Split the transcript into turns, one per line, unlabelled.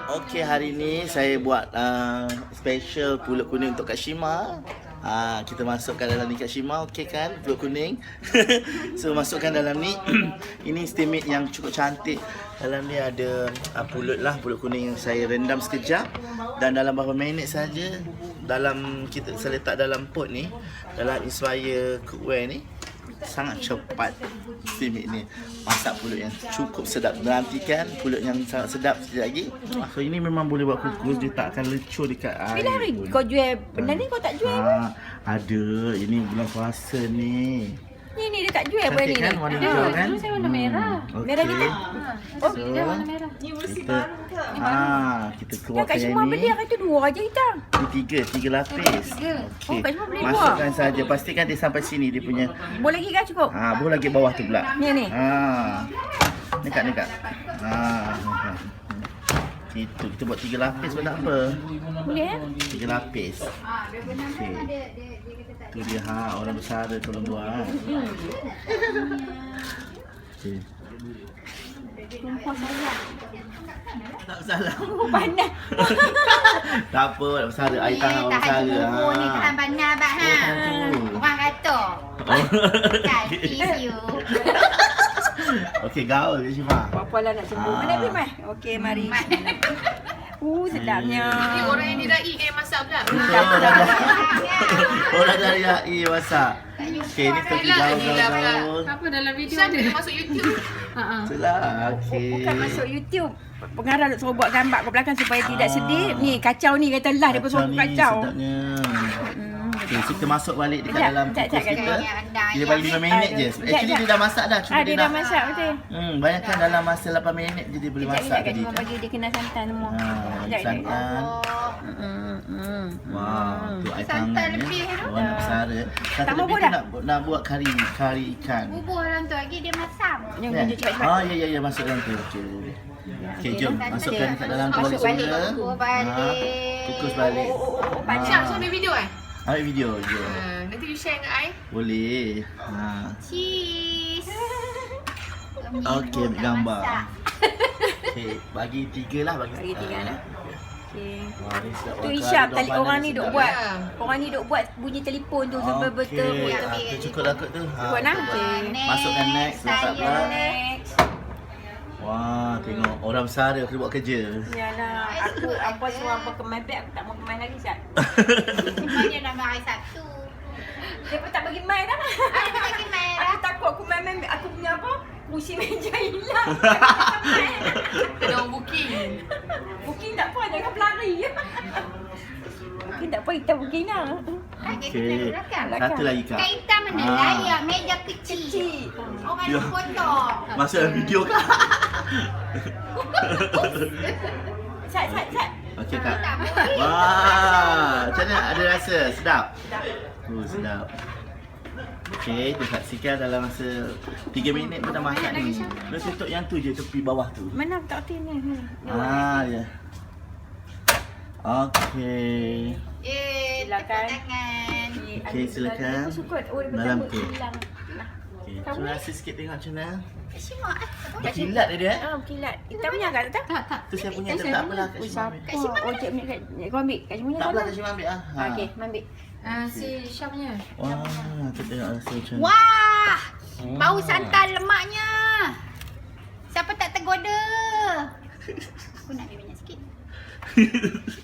Okey, hari ni saya buat special pulut kuning untuk Kak Shima. Kita masukkan dalam ni Kak Shima, okey kan pulut kuning. So masukkan dalam ni. Ini steaming yang cukup cantik. Dalam ni ada pulut kuning yang saya rendam sekejap. Dan dalam beberapa minit saja saya letak dalam pot ni, dalam Inspire cookware ni. Sangat cepat steaming ni. Masak pulut yang cukup sedap. Nantikan pulut yang sangat sedap sekejap lagi. So ini memang boleh buat kukus. Dia tak akan lecur dekat air.
Bila hari kau jual benda ni, kau tak jual pun?
Ada. Ini bulan puasa ni.
Ni dia tak jual benda ni.
Cantik kan warna hijau kan?
Dulu saya warna merah.
Okay.
Merah kita.
Oh, dia warna merah.
Kita
Yang
keluarkan
Kak
yang
Shima
ni.
beli hari tu 2 aja hitam.
Ini tiga lapis.
Tiga.
Oh, Kak Shima beli
Masukkan saja. Pastikan dia sampai sini dia punya.
Boleh lagi kan cukup?
Boleh lagi bawah tu pula.
Ni.
Dekat. Kita buat 3 lapis pun tak apa.
Boleh
3 lapis. Okey. Tu dia orang besar tolong buat. Okey. Tak salah.
Panas.
Tak apa, orang besar air tangan orang besar.
Bubur ni tahan panas abang ha. Orang kata. Kan, you.
Okey, gaul Kak Shima.
Apa lah nak cemburu. Mana pergi mai? Okey, mari. Sedapnya.
Ni orang yang dirai masak pula.
Orang dari HI masak. Okey, ni pergi gaul.
Apa dalam video ada masuk YouTube.
Itulah, okey.
Bukan masuk YouTube. Pengarah nak suruh buat gambar kat belakang supaya tidak sedih. Ni kacau ni kata lah dia pun suruh kacau.
Sedapnya. Okey, so kita masuk balik dekat
Sekejap,
dalam
sekejap,
kukus
sekejap.
kita. Dia bagi 5 minit je. Actually dia dah masak dah. Cuma
Dia dah masak betul.
Banyakkan dalam masa 8 minit je dia boleh masak
Kak
tadi.
Shima bagi dia kena santan semua.
Santan. Wah, tu air tangan ni. Orang nak bersara. Satu
Tambah
lebih
buah
tu nak buat kari ikan.
Bubur orang tu lagi dia masam.
Yang
Kan?
tunjuk cepat-cepat.
Ya, masuk dalam tu. Okey, jom masukkan dekat dalam tu balik
Masuk balik,
semula.
kukus balik.
Kukus balik.
Syam, so ambil video
Ambil video je.
Nanti you share dengan I.
Boleh.
Cheese.
Okey, ambil gambar. Okey, bagi 3 lah. Bagi
3 lah. Okey.
Wah, ni sedap.
Tu Isyam tadi orang ni duk buat. Orang ni duk buat bunyi telefon tu sampai betul.
Tu cukup lah kot tu.
Buat nak?
Masukkan next. Letak pula.
Next.
Wah, tengok orang bersara kena buat kerja.
Yalah, aku apa suruh apa kemain beg, aku tak mau kemain lagi Syat.
Dia nak main satu.
Dia pun tak bagi main dah.
Ada lagi main
Aku takut aku main aku punya apa? Kursi meja hilang.
Kena orang booking.
Booking tak apa, jangan berlari. Booking tak apa, kita booking lah.
Okey. Satu lagi Kak.
Kaitan mana layak meja kecil. Orang
Ya.
nak potong.
Masuk dalam video Kak.
Syat.
Okey Kak. Wah, macam mana ada rasa? Sedap? Sedap. Okey, tu saksikan dalam masa 3 minit pun dah masak ni. Dia tutup yang tu je, tepi bawah tu.
Mana aku tak kerti ni.
Ya. Okey.
Silakan. Tangan.
Okey, silakan.
Aku suka. Oh, dia
Dalam
betul
tu.
hilang.
Okey, cuba rasa sikit tengok macam mana.
Shima.
Berkilat dia
Berkilat. Kita punya agak tak?
Tu saya punya tu tak apalah Kak Shima ambil.
Oh, cik punya kau ambil. Kak Shima
Tak apalah Kak Shima ambil ah.
Okey, ambil.
Si Syamnya.
Wah, tu tengok rasa macam mana.
Wah! Bau santan lemaknya. Siapa tak tergoda? Aku nak ambil banyak sikit.